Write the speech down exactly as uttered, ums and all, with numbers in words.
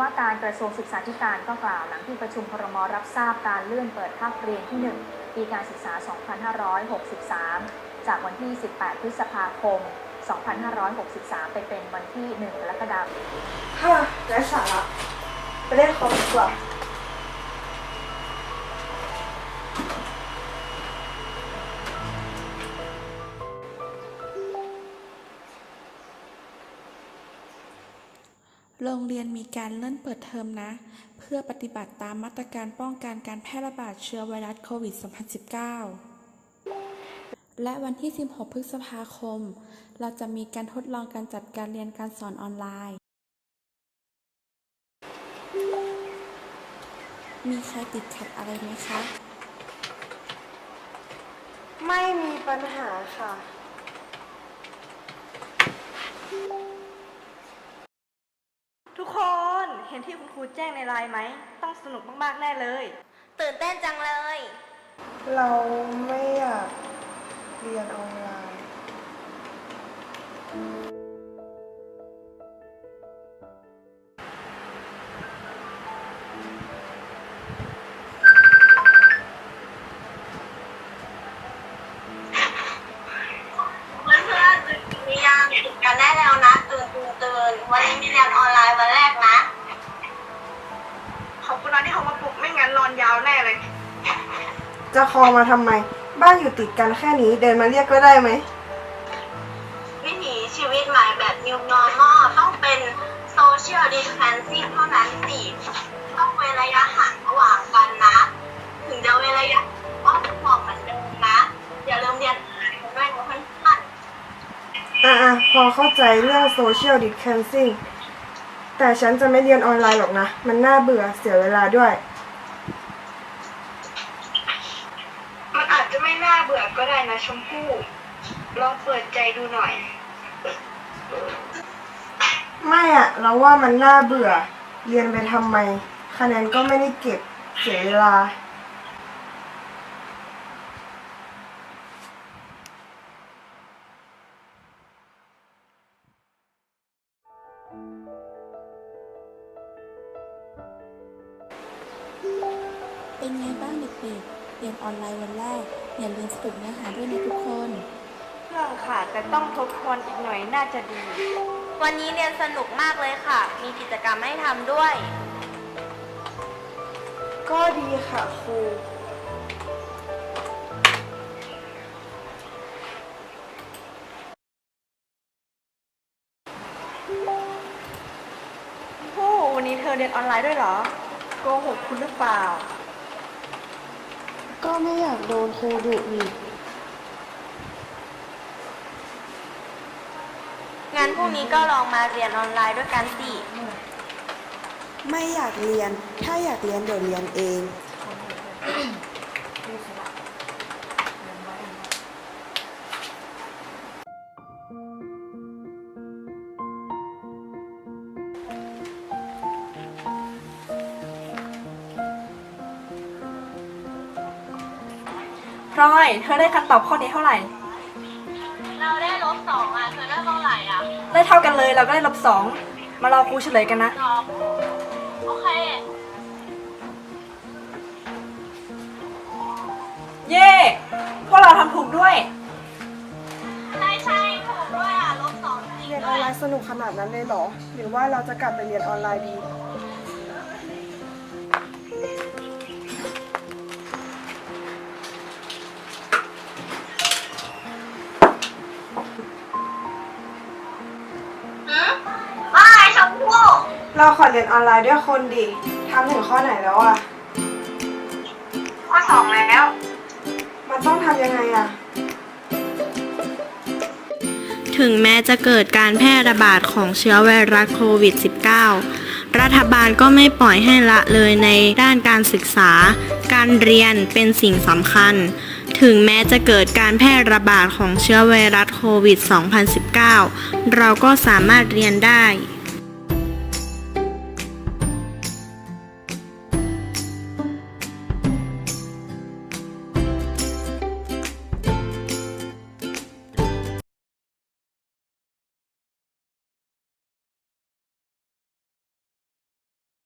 ว่าการกระทรวงศึกษาธิการก็กล่าวหลังที่ประชุมครม.รับทราบการเลื่อนเปิดภาคเรียนที่หนึ่งปีการศึกษา สองพันห้าร้อยหกสิบสาม จากวันที่ สิบแปด พฤษภาคม สองพันห้าร้อยหกสิบสาม ไปเป็นวันที่ หนึ่ง กรกฎาคมฮ่าไร้สาระไปเล่นคอมดีกว่าโรงเรียนมีการเลื่อนเปิดเทอมนะเพื่อปฏิบัติตามมาตรการป้องกันการแพร่ระบาดเชื้อไวรัสโควิด สองพันสิบเก้า และวันที่ สิบหก พฤษภาคมเราจะมีการทดลองการจัดการเรียนการสอนออนไลน์ มีใครติดขัดอะไรไหมคะไม่มีปัญหาค่ะทุกคนเห็นที่คุณครูแจ้งในไลน์ไหมต้องสนุกมากๆแน่เลยตื่นเต้นจังเลยเราไม่อยากเรียนออนไลน์เพื่อนๆตื่นหรือยังตื่นกันได้แล้วนะตื่นตื่นตื่นวันนี้มีเรียนออนไลน์วันแรกนะขอบคุณนะที่เขามาปลุกไม่งั้นนอนยาวแน่เลยจะคอมาทำไมบ้านอยู่ติดกันแค่นี้เดินมาเรียกก็ได้ไหมวิถีชีวิตใหม่แบบ New Normal ต้องเป็น Social Distancing เท่านั้นสิต้องเว้นระยะห่างระหว่างกันนะถึงจะเว้นระยะก็บอกเหมือนเดิมนะอย่าลืมเรียนออนไลน์กันด้วยนะเพื่อนๆอ่ะๆพอเข้าใจเรื่อง Social Distancing แต่ฉันจะไม่เรียนออนไลน์หรอกนะมันน่าเบื่อเสียเวลาด้วยมันอาจจะไม่น่าเบื่อก็ได้นะชมพู่ลองเปิดใจดูหน่อยไม่อะเราว่ามันน่าเบื่อเรียนไปทำไมคะแนนก็ไม่ได้เก็บเสียเวลาเป็นไงบ้างเด็กๆเรียนออนไลน์วันแรกอย่าลืมสรุปเนื้อหาด้วยนะทุกคนเรื่องค่ะแต่ต้องทบทวนอีกหน่อยน่าจะดีวันนี้เรียนสนุกมากเลยค่ะมีกิจกรรมให้ทำด้วยก็ดีค่ะครูโอ้วันนี้เธอเรียนออนไลน์ด้วยเหรอโกหกคุณหรือเปล่าก็ไม่อยากโดนครูดุอีกงั้นพรุ่งนี้ก็ลองมาเรียนออนไลน์ด้วยกันสิไม่อยากเรียนถ้าอยากเรียนเดี๋ยวเรียนเองพลอยเธอได้คำตอบข้อนี้เท่าไหร่เราได้ลบสองอ่ะเธอได้เท่าไหร่อ่ะได้เท่ากันเลยเราก็ได้ลบสองมารอครูเฉลยกันนะโอเคเย่พวกเราทำถูกด้วยใช่ใช่ถูกด้วยอ่ะลบสองจริงเรียนออนไลน์สนุกขนาดนั้นเลยเหรอหรือว่าเราจะกลับไปเรียนออนไลน์ดีเราขอเรียนออนไลน์ด้วยคนดิทำถึงข้อไหนแล้วอะข้อสองแล้วมันต้องทำยังไงอะถึงแม้จะเกิดการแพร่ระบาดของเชื้อไวรัสโควิด สิบเก้า รัฐบาลก็ไม่ปล่อยให้ละเลยในด้านการศึกษาการเรียนเป็นสิ่งสำคัญถึงแม้จะเกิดการแพร่ระบาดของเชื้อไวรัสโควิด สองพันสิบเก้า เราก็สามารถเรียนได้